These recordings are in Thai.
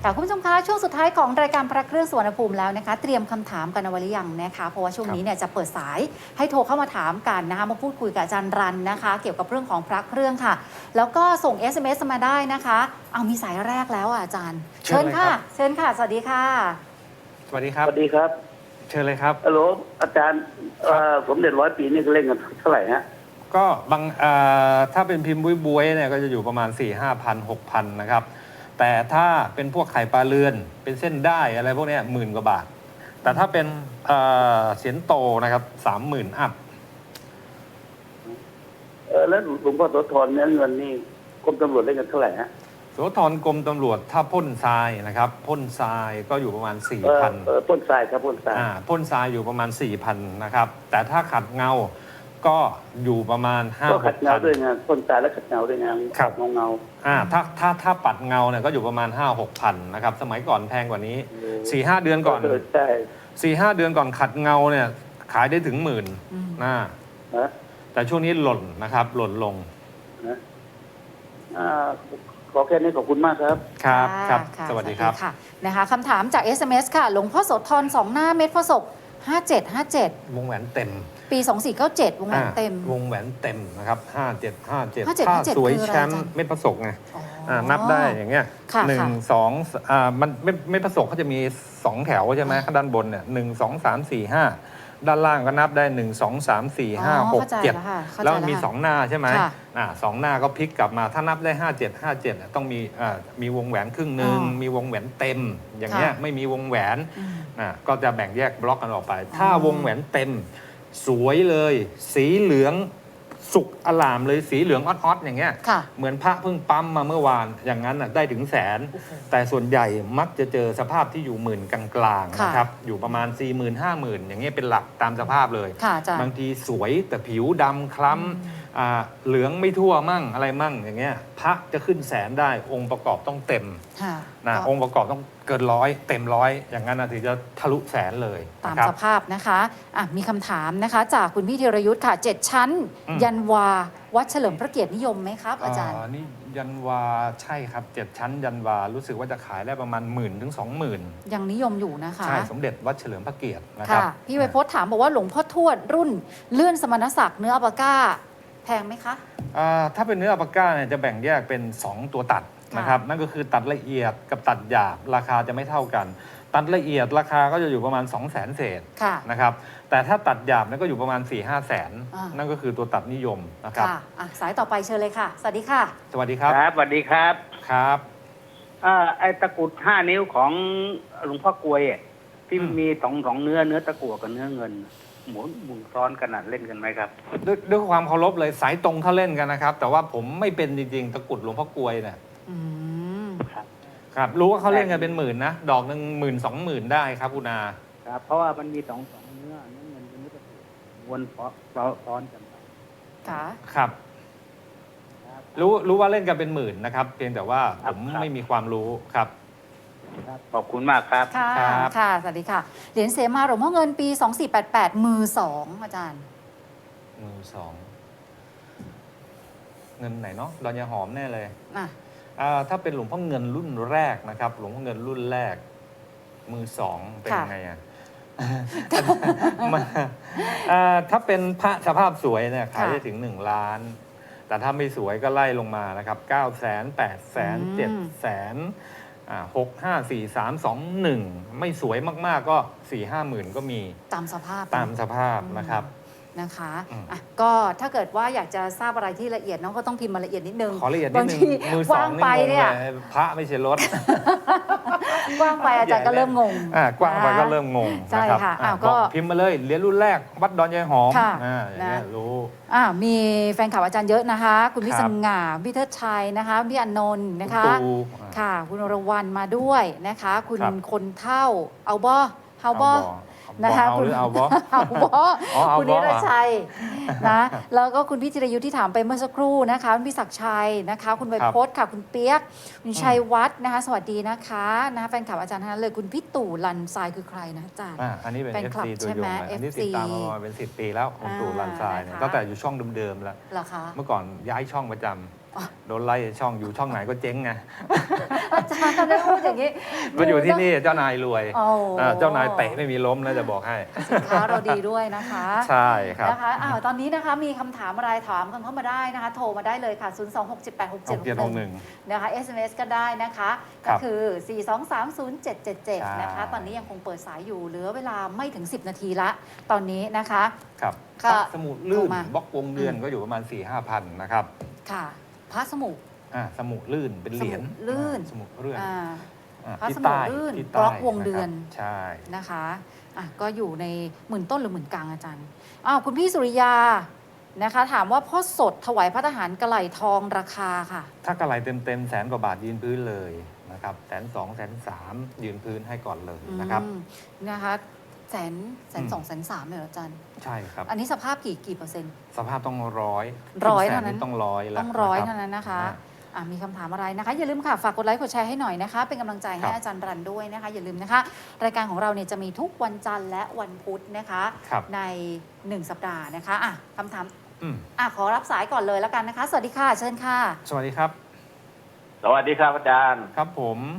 ค่ะคุณผู้ชมคะช่วงสุดท้ายของรายการพระเครื่องสุวรรณภูมิแล้วนะคะเตรียมคำถามกันเอาไว้หรือยังนะคะเพราะว่าช่วงนี้เนี่ยจะเปิดสายให้โทรเข้ามาถามกันนะคะมาพูดคุยกับอาจารย์รันนะคะเกี่ยวกับเรื่องของพระเครื่องค่ะแล้วก็ส่ง SMS มาได้นะคะเอามีสายแรกแล้วอาจารย์เชิญค่ะเชิญค่ะสวัสดีค่ะสวัสดีครับสวัสดีครับเชิญเลยครับฮัลโหลอาจารย์สมเด็จ100 ปีนี่เล่นกันเท่าไหร่ฮะก็บางถ้าเป็นพิมพ์บุ้ยๆเนี่ยก็จะอยู่ประมาณ 4-5,000 6,000 นะครับแต่ถ้าเป็นพวกไข่ปลาเรือนเป็นเส้นได้อะไรพวกนี้10,000 กว่าบาทแต่ถ้าเป็นเสียนโตนะครับ 30,000 อัพแล้วหลวงพ่อโสธรเนื้อเงินนี่กรมตำรวจเล่นกันเท่าไหร่ฮะโสธรกรมตำรวจถ้าพ่นทรายนะครับพ่นทรายก็อยู่ประมาณ 4,000 พ่นทรายครับพ่นทรายพ่นทรายอยู่ประมาณ 4,000 นะครับแต่ถ้าขัดเงาก็อยู่ประมาณ 5-6,000 ก็ขัดเงาด้วยงานพ่นทรายและขัดเงาด้วยงานขัดเงาถ้าปัดเงาเนี่ยก็อยู่ประมาณ 5-6,000 นะครับสมัยก่อนแพงกว่านี้ 4-5 เดือนก่อนใช่ 4-5 เดือนก่อนขัดเงาเนี่ยขายได้ถึง10,000นะแต่ช่วงนี้หล่นนะครับหล่นลงขอแค่นี้ขอบคุณมากครับครับสวัสดีครับนะคะคำถามจาก SMS ค่ะหลวงพ่อโสธร2 หน้าเม็ดพระศก5757 วงแหวนเต็มปี 2497วงแหวนเต็มวงแหวนเต็มนะครับ5757ถ้าสวยแชมป์เม็ดพระศกไงนับได้อย่างเงี้ย1 2มันเม็ดพระศกเขาจะมี2 แถวใช่ไหมข้างด้านบนเนี่ย1 2 3 4 5ด้านล่างก็นับได้1 2 3 4 5 6 7แล้วมี2 หน้าใช่ไหม2 หน้าก็พลิกกลับมาถ้านับได้57ต้องมีวงแหวนครึ่งหนึ่งมีวงแหวนเต็มอย่างเงี้ยไม่มีวงแหวนก็จะแบ่งแยกบล็อกกันออกไปถ้าวงแหวนเต็มสวยเลยสีเหลืองสุกอลามเลยสีเหลืองออดๆอย่างเงี้ยเหมือนพระเพิ่งปั๊มมาเมื่อวานอย่างนั้นได้ถึงแสนแต่ส่วนใหญ่มักจะเจอสภาพที่อยู่10,000กลางๆนะครับอยู่ประมาณ 40,000 50,000 อย่างเงี้ยเป็นหลักตามสภาพเลยบางทีสวยแต่ผิวดำคล้ำเหลืองไม่ทั่วมั่งอะไรมั่งอย่างเงี้ยพระจะขึ้นแสนได้องค์ประกอบต้องเต็มองค์ประกอบต้องเกิน100เต็ม100อย่างนั้นถึงจะทะลุแสนเลยตามสภาพนะคะมีคำถามนะคะจากคุณพี่ธีรยุทธ์ค่ะ7 ชั้นยันวาวัดเฉลิมพระเกียรตินิยมไหมครับอาจารย์นี่ยันวาใช่ครับ7 ชั้นยันวารู้สึกว่าจะขายได้ประมาณ10,000 ถึง 20,000 ยังนิยมอยู่นะคะใช่สมเด็จวัดเฉลิมพระเกียรตินะครับพี่ไวโพสถามบอกว่าหลวงพ่อทวดรุ่นเลื่อนสมณศักดิ์เนื้ออัปปาก้าแพงไหมคะถ้าเป็นเนื้ออัปปาก้าเนี่ยจะแบ่งแยกเป็น2 ตัวตัดนะครับนั่นก็คือตัดละเอียดกับตัดหยาบราคาจะไม่เท่ากันตัดละเอียดราคาก็จะอยู่ประมาณ 200,000 เศษนะครับแต่ถ้าตัดหยาบนั่นก็อยู่ประมาณ 4-5 แสนนั่นก็คือตัวตัดนิยมนะครับสายต่อไปเชิญเลยค่ะสวัสดีค่ะสวัสดีครับสวัสดีครับครับไอ้ตะกุด5 นิ้วของหลวงพ่อกลวยที่มีสองเนื้อตะกั่วกับเนื้อเงินหมุนซ้อนขนาดเล่นกันไหมครับด้วยความเคารพเลยสายตรงเขาเล่นกันนะครับแต่ว่าผมไม่เป็นจริงๆตะกุดหลวงพ่อกลวยเนี่ยครับรู้ว่าเขาเล่นกันเป็น10,000นะดอกนึง10,000 20,000ได้ครับคุณอาครับเพราะว่ามันมีสองเนื้อเงินกับเนื้อตะกั่ววนซ้อนกันไปครับรู้ว่าเล่นกันเป็น10,000นะครับเพียงแต่ว่าผมไม่มีความรู้ครับขอบคุณมากครับค่ะสวัสดีค่ะเหรียญเสมาหลวงพ่อเงินปี2488มือ2อาจารย์มือ2เงินไหนเนาะดอนยาหอมแน่เลยถ้าเป็นหลวงพ่อเงินรุ่นแรกนะครับหลวงพ่อเงินรุ่นแรกมือ2เป็นยังไงถ้าเป็นพระสภาพสวยเนี่ยขายได้ถึง1 ล้านแต่ถ้าไม่สวยก็ไล่ลงมานะครับ900,000 800,000 700,000 6 5 4 3 2 1ไม่สวยมากๆก็4-5 หมื่นก็มีตามสภาพนะครับนะคะก็ถ้าเกิดว่าอยากจะทราบอะไรที่ละเอียดน้องก็ต้องพิมพ์มาละเอียดนิดนึงขอละเอียดนิดนึงมือ2นี่งงเลยพระไม่ใช่รถกว้างไปอาจารย์ก็เริ่มงงกว้างไปก็เริ่มงงใช่ค่ะก็พิมพ์มาเลยเหรียญรุ่นแรกวัดดอนยายหอมอย่างนี้รู้มีแฟนข่าวอาจารย์เยอะนะคะคุณพี่สง่าพี่เทิดชัยนะคะพี่อนนท์นะคะค่ะคุณอรวรรณมาด้วยนะคะคุณคนเท่าเอาบ่เฮาบ่นะคะคุณเอาบคุณนิรชัยนะแล้วก็คุณพี่จิรยุทธที่ถามไปเมื่อสักครู่นะคะคุณพี่ศักดิ์ชัยนะคะคุณไวโพสค่ะคุณเปียกคุณชัยวัฒน์นะคะสวัสดีนะคะแฟนคลับอาจารย์ทั้งนั้นเลยคุณพี่ตู่ลันทรายคือใครนะอาจารย์อันนี้เป็น FC ตัวยงอันนี้ติดตามมาเป็น10 ปีแล้วคุณตู่ลันทรายตั้งแต่อยู่ช่องเดิมๆแล้วเมื่อก่อนย้ายช่องประจโดนไล่ช่องอยู่ช่องไหนก็เจ๊งไงอาจารย์ได้พูดอย่างนี้มาอยู่ที่นี่เจ้านายรวยโอ้เจ้านายเตะไม่มีล้มนะจะบอกให้สินค้าเราดีด้วยนะคะใช่ครับนะคะตอนนี้นะคะมีคำถามอะไรถามกันเข้ามาได้นะคะ โทรมาได้เลยค่ะ 026786761 นะคะ SMS ก็ได้นะคะครัก็บคือ 4230777 นะคะ ตอนนี้ยังคงเปิดสายอยู่เหลือเวลาไม่ถึง 10 นาทีละ ตอนนี้นะคะครับก็สมุดลื่นโทรมาบล็อกวงเดือนก็อยู่ประมาณ 4-5 พันนะครับค่ะพระสมุสมุดลื่นเป็นเหรียญสมุดลื่นสมุดเลื่อนอ่า พระที่สมุดใต้ลื่นที่บใต้ล็อกวงเดือนนะครับใช่นะคะก็อยู่ในหมื่นต้นหรือหมื่นกลางอาจารย์คุณพี่สุริยานะคะ ถามว่าพ่อสดถวายพระทหารกระไหล่ทองราคาค่ะถ้ากระไรเต็มแสนกว่าบาทยืนพื้นเลยนะครับ120,000 130,000ยืนพื้นให้ก่อนเลยนะครับนะคะแสนสองแสนสามเลยเหรออาจารย์ใช่ครับอันนี้สภาพกี่เปอร์เซ็นต์สภาพต้องร้อยร้อยแสเท่านั้นต้องร้อยแล้วต้องร้อยะคบเท่านั้นนะคะอ่ามีคำถามอะไรนะคะ อย่าลืมค่ะ ฝากกดไลค์กดแชร์ให้หน่อยนะคะ เป็นกำลังใจให้ครับอาจารย์รันด้วยนะคะ อย่าลืมนะคะ รายการของเราเนี่ยจะมีทุกวันจันทร์และวันพุธนะคะครับใน 1 สัปดาห์นะคะคำถามอืมขอรับสายก่อนเลยแล้วกันนะคะ สวัสดีค่ะ เชิญค่ะสวัสดีครับสวัสดีครับอาจารย์ครับผม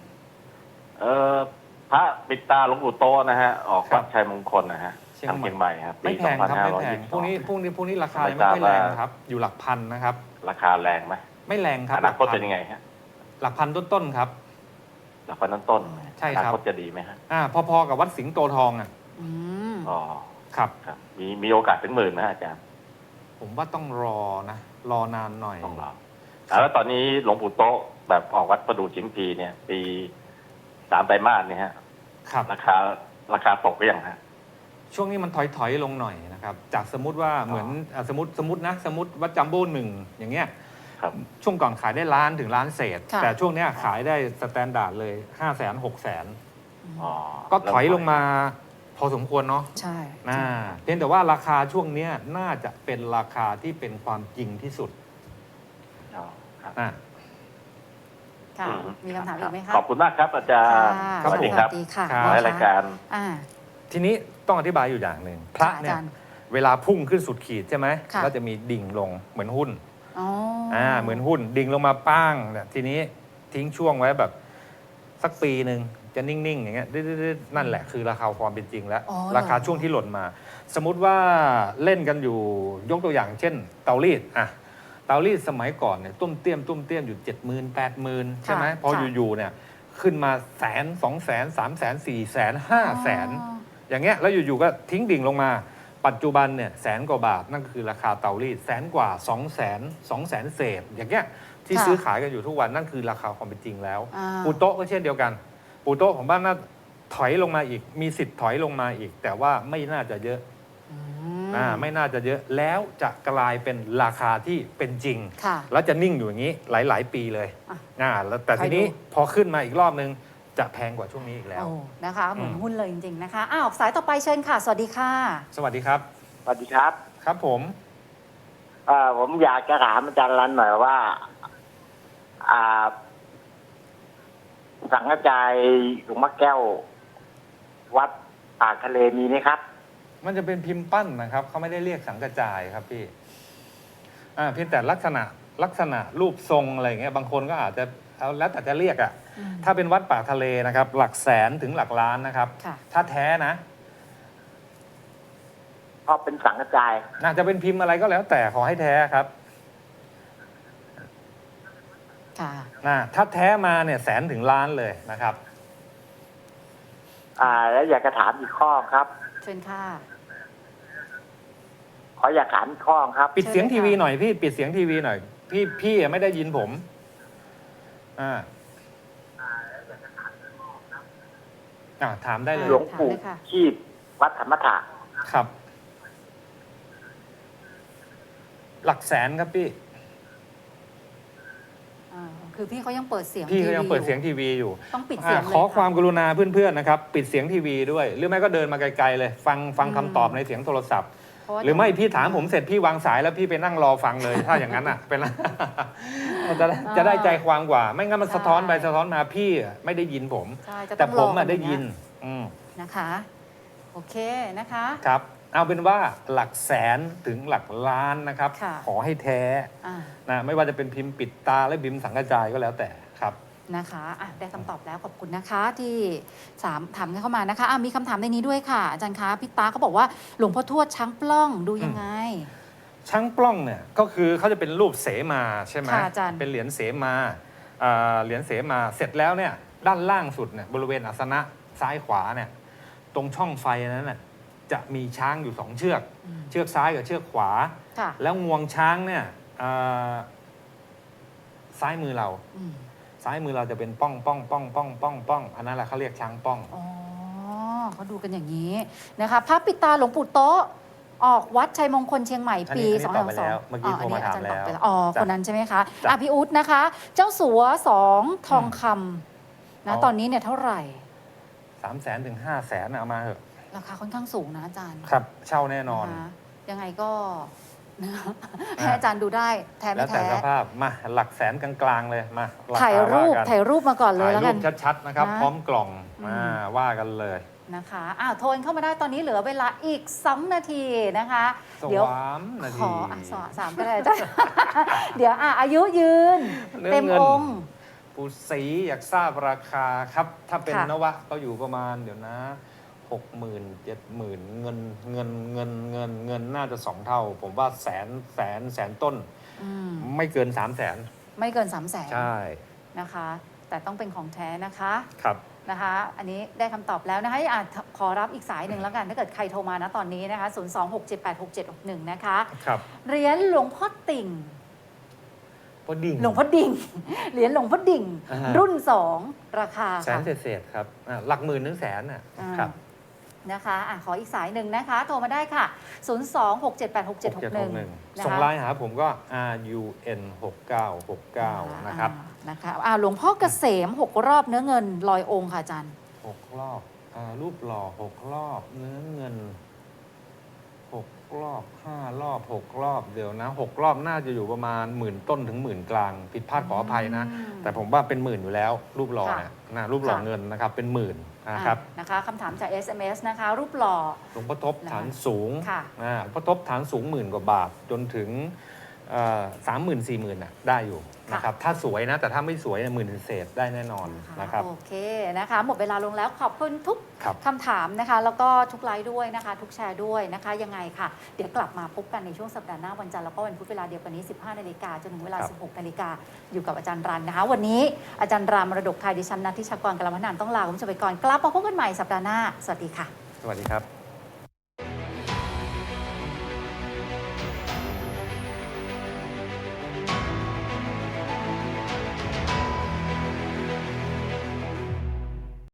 พระปิดตาหลวงปู่โตนะฮะ ออกครัวับดชัยมงคลนะฮะเชียงทางใหม่เชียงใหม่ครับไม่ปีแพงครับไม่แพงพวกนี้ 2522 พวกนี้ราคาไม่ยังทราบไม่ค่อยแรงว่าครับ อยู่หลักพันนะครับราคาแรงไหมไม่แรงครับอนาคตเป็นยังไงฮะหลักพันต้นๆครับราคาต้นๆใช่ครับอนาคตจะดีไหมฮะพอๆกับวัดสิงห์โตทองอ่ะอืมอ๋อครับครับ มีโอกาสถึงหมื่นไหมฮะอาจารย์ผมว่าต้องรอนะ รอนานหน่อยต้องรอแล้วตอนนี้หลวงปู่โตแบบออกวัดประดู่ชิมพีเนี่ย ปี3 ไตรมาสเนี่ยฮะครับราคาตกไปยังฮะช่วงนี้มันถอยลงหน่อยนะครับ จากสมมติว่าเหมือนสมมติวัดจัมโบ้หนึ่งอย่างเงี้ยครับช่วงก่อนขายได้ล้านถึงล้านเศษค่ะแต่ช่วงเนี้ยขายได้สแตนดาร์ดเลย 500,000 600,000 อ๋อก็ถอยลงมาพอสมควรเนาะใช่เพียงแต่ว่าราคาช่วงเนี้ยน่าจะเป็นราคาที่เป็นความจริงที่สุดอ๋อครับอ่าค่ะ มีคำถามอีกไหมคะขอบคุณมากครับอาจารย์ค่ะสวัสดีครับสวัสดีค่ะครับขอให้รายการอ่าทีนี้ต้องอธิบายอยู่อย่างหนึ่งพระเนี่ยอาจารย์เวลาพุ่งขึ้นสุดขีดใช่ไหมค่ะก็จะมีดิ่งลงเหมือนหุ้นอ๋อเหมือนหุ้นดิ่งลงมาป้างเนี่ยทีนี้ทิ้งช่วงไว้แบบสักปีหนึ่งจะนิ่งๆอย่างเงี้ยนั่นแหละคือราคาความเป็นจริงแล้วอ๋อราคาช่วงที่หล่นมา สมมุติว่าเล่นกันอยู่ยกตัวอย่างเช่น เตารีดเตารีดสมัยก่อนเนี่ยตุ้มเตี้ยมอยู่ 70,000 80,000 ใช่ไหมพออยู่ๆเนี่ยขึ้นมา100,000 200,000 300,000 400,000 500,000 อย่างเงี้ยแล้วอยู่ๆก็ทิ้งดิ่งลงมา ปัจจุบันเนี่ย100,000 กว่าบาทนั่นคือราคาเตารีด100,000 กว่า 200,000 เศษอย่างเงี้ยที่ซื้อขายกันอยู่ทุกวันนั่นคือราคาความเป็นจริงแล้ว ปูโต๊ะก็เช่นเดียวกัน ปูโต๊ะของบ้านน่าถอยลงมาอีก มีสิทธิ์ถอยลงมาอีก แต่ว่าไม่น่าจะเยอะไม่น่าจะเยอะแล้วจะกลายเป็นราคาที่เป็นจริงค่ะแล้วจะนิ่งอยู่อย่างนี้หลาย ๆ ปีเลย แล้วแต่คอยดูทีนี้พอขึ้นมาอีกรอบนึงจะแพงกว่าช่วงนี้อีกแล้วโอ้นะคะเหมือนหุ้นเลยจริง ๆ นะคะสายต่อไปเชิญค่ะ สวัสดีค่ะสวัสดีครับสวัสดีครับครับผมผมอยากจะถามอาจารย์รันหน่อยว่า สังฆจายหลวงพ่อแก้ว วัดปากทะเลมีไหมครับมันจะเป็นพิมพ์ปั้นนะครับเขาไม่ได้เรียกสังกระจายครับพี่เพียงแต่ลักษณะรูปทรงอะไรอย่างเงี้ยบางคนก็อาจจะเอาแล้วแต่จะเรียกถ้าเป็นวัดปากทะเลนะครับ หลักแสนถึงหลักล้านนะครับค่ะถ้าแท้นะเพราะเป็นสังฆจายน่าจะเป็นพิมพ์อะไรก็แล้วแต่ขอให้แท้ครับค่ะถ้าแท้มาเนี่ย100,000 ถึงล้านเลยนะครับแล้วอยากจะถามอีกข้อครับเชิญค่ะขออยากถามอีกข้อครับปิดเสียงเชิญเลยทีวีค่ะหน่อยพี่ปิดเสียงทีวีหน่อยพี่ไม่ได้ยินผมถามได้เลยหลวงปู่ถามเลยค่ะชีพวัดธรรมถะครับ หลักแสนครับพี่คือพี่เขายังเปิดเสียงพี่ก็ยังเปิดเสียงทีวีทีวีอยู่ต้องปิดเสียงเลยขอความกรุณาเพื่อนๆนะครับ ปิดเสียงทีวีด้วย หรือไม่ก็เดินมาไกลๆเลย ฟังคำตอบในเสียงโทรศัพท์เพาะว่าหรือไม่พี่ถามผมเสร็จพี่วางสายแล้วพี่ไปนั่งรอฟังเลย ถ้าอย่างนั้นเป็น จะได้ใจความกว่า ไม่งั้นมันสะท้อนไปสะท้อนมาพี่ไม่ได้ยินผมใช่จะแต่ต้องผมรอกันได้อย่างเงี้ยิยนนะคะ โอเคนะคะครับเอาเป็นว่าหลักแสนถึงหลักล้านนะครับค่ะขอให้แท้อ่านะไม่ว่าจะเป็นพิมพ์ปิดตาและพิมพ์สังกระจายก็แล้วแต่ครับนะคะอ่ะได้คำตอบแล้วขอบคุณนะคะที่ถามกันเข้ามานะคะมีคำถามในนี้ด้วยค่ะอาจารย์คะพี่ตาเขาบอกว่าหลวงพ่อทวดช้างปล้องดูยังไงช้างปล้องเนี่ยก็คือเขาจะเป็นรูปเสมาใช่ไหมค่ะอาจารย์เป็นเหรียญเสมาเหรียญเสมาเสร็จแล้วเนี่ยด้านล่างสุดเนี่ยบริเวณอาสนะซ้ายขวาเนี่ยตรงช่องไฟนั้นน่ะจะมีช้างอยู่2เชือก เชือกซ้ายกับเชือกขวาค่ะแล้วงวงช้างเนี่ยซ้ายมือเราอืมซ้ายมือเราจะเป็นป้องป้องป้องป้องป้องป้องอันนั้นแหละเขาเรียกช้างป้องอ๋อเขาดูกันอย่างนี้นะคะพระปิดตาหลวงปู่โต๊ะออกวัดชัยมงคลเชียงใหม่ปีอันนี้ตอบไป 2 แล้วเมื่อกี้โทรมาถามแล้วอ๋อจ้ะคนนั้นใช่ไหมคะจ้ะพี่อุ๊ดนะคะ เจ้าสัว2ทองคำนะอ๋อตอนนี้เนี่ยเท่าไหร่ 300,000 ถึง 500,000เอามาเถอะราคาค่อนข้างสูงนะอาจารย์ครับเช่าแน่นอนะคะยังไงก็นะคะให้อาจารย์ดูได้แท้แล้ไม่วแต่แท้สภาพมาหลักแสนกลางๆเลยมาคถ่ายรูปว่กันถ่ายรูปมาก่อนเลยถ่ายแล้วรูกันปชัดๆนะครับนะพร้อมกล่องอืมว่ากันเลยนะคะโทรเข้ามาได้ตอนนี้เหลือเวลาอีก2 นาทีนะคะสเดี๋ยววามนาขทีอสามก็ได้จ้ะ เดี๋ยวอายุยืนเนื้อเต็มเงินองค์ปูสีอยากทราบราคาครับ ถ้าเป็นค่ะนวะก็อยู่ประมาณเดี๋ยวนะ 60,000 70,000เงินน่าจะ2 เท่า ผมว่าแสนต้นอืมไม่เกิน 300,000 ไม่เกิน 300,000 ใช่นะคะ แต่ต้องเป็นของแท้นะคะครับนะคะ อันนี้ได้คำตอบแล้วนะคะขอรับอีกสายหนึ่งแล้วกัน ถ้าเกิดใครโทรมานะตอนนี้นะคะ 026786761 นะคะครับเหรียญหลวงพ่อติ่งพอดิ่งหลวงพ่อดิ่ง เหรียญหลวงพ่อดิ่งอ่าฮะรุ่น 2 ราคาแสค่ะนเศษๆครับหลักหมื่นถึงแสนน่ะอ่าครับนะคะขออีกสายหนึ่งนะคะ โทรมาได้ค่ะ 026786761 ส่งไลน์หาผมก็ RUN 6969นะครับนะคะหลวงพ่อเกษม6 รอบเนื้อเงินลอยองค์ค่ะอาจารย์ 6 รอบรูปหล่อ6 รอบเนื้อเงิน6 รอบ5 รอบ6 รอบเดี๋ยวนะ6 รอบน่าจะอยู่ประมาณ10,000 ต้นถึง10,000 กลางผิดพลาดขออภัยนะ แต่ผมว่าเป็น10,000อยู่แล้ว รูปหล่อเนี่ยนะรูปหล่อเงินนะครับเป็น10,000นะครับนะคะคำถามจาก SMS นะคะ รูปหล่อหลวงพ่อทบฐานสูงค่ะหลวงพ่อทบฐานสูง10,000 กว่าบาทจนถึง30,000 40,000น่ะได้อยู่นะครับถ้าสวยนะแต่ถ้าไม่สวยเนี่ย10,000 เศษได้แน่นอนนะครับโอเคนะคะ หมดเวลาลงแล้วขอบคุณทุกครับคำถามนะคะ แล้วก็ทุกไลค์ด้วยนะคะ ทุกแชร์ด้วยนะคะ ยังไงค่ะ เดี๋ยวกลับมาพบกันในช่วงสัปดาห์หน้าวันจันทร์แล้วก็วันพุธเวลาเดียวกันนี้ 15 นาฬิกาจนถึงเวลา 16 นาฬิกาอยู่กับอาจารย์รันนะคะ วันนี้อาจารย์รามมรดกไทยดิฉันนัทธิชากรกลมพนันท์ต้องลาคุณผู้ชมไปก่อนกลับมาพบกันใหม่สัปดาห์หน้าสวัสดีค่ะสวัสดีครับ